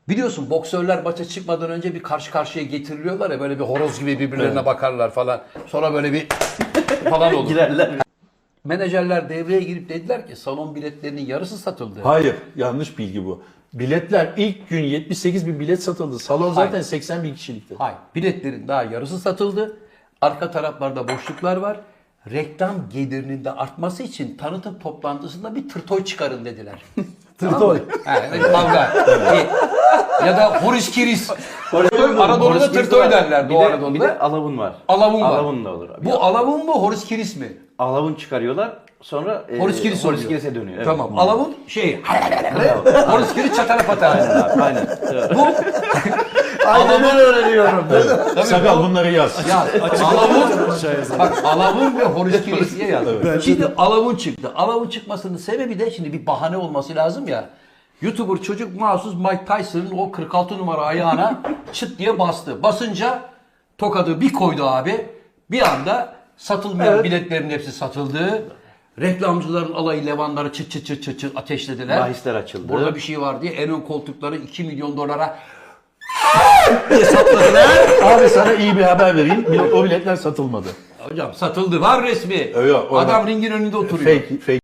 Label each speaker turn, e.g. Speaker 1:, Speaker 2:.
Speaker 1: Biliyorsun boksörler maça çıkmadan önce bir karşı karşıya getiriliyorlar ya, böyle bir horoz gibi birbirlerine bakarlar falan. Sonra böyle bir falan olur.
Speaker 2: Girerler.
Speaker 1: Menajerler devreye girip dediler ki salon biletlerinin yarısı satıldı.
Speaker 3: Hayır, yanlış bilgi bu. Biletler ilk gün 78 bin bilet satıldı. Salon zaten
Speaker 1: Hayır.
Speaker 3: 80 bin kişilikti.
Speaker 1: Hayır. Biletlerin daha yarısı satıldı. Arka taraflarda boşluklar var. Reklam gelirinin de artması için tanıtım toplantısında bir tırtoy çıkarın dediler.
Speaker 3: Tırtoy.
Speaker 1: Evet, kavga. Ya da horiskiris. Anadolu'da tırtoy derler Doğu
Speaker 2: Bir
Speaker 1: Anadolu'da.
Speaker 2: de alavun var.
Speaker 1: Alavun var.
Speaker 2: Alavun da olur.
Speaker 1: Bu alavun mu horiskiris mi?
Speaker 2: Alavun çıkarıyorlar. Sonra
Speaker 1: Horiskiris oluyor.
Speaker 2: horiskiris'e dönüyor. Evet.
Speaker 1: Tamam. Alavun horiskiris çatara patara.
Speaker 2: Aynen abi, aynen.
Speaker 1: Bu
Speaker 3: Aynen öğreniyorum. Sakal bunları yaz.
Speaker 1: ya bak alavun ve horiskiris diye yazdım. Şimdi alavun çıktı. Alavun çıkmasının sebebi de şimdi bir bahane olması lazım ya. YouTuber çocuk mahsus Mike Tyson'ın o 46 numara ayağına çıt diye bastı. Basınca tokadı bir koydu abi. Bir anda satılmayan biletlerin hepsi satıldı. Reklamcıların alayı levanları çıt çıt çıt çıt çıt ateşlediler.
Speaker 2: Bahisler açıldı.
Speaker 1: Burada bir şey var diye en ön koltukları 2 milyon dolara diye sapladılar.
Speaker 3: Abi sana iyi bir haber vereyim. O biletler satılmadı.
Speaker 1: Hocam satıldı. Var resmi.
Speaker 3: Yok,
Speaker 1: Adam ringin önünde oturuyor.
Speaker 3: Fake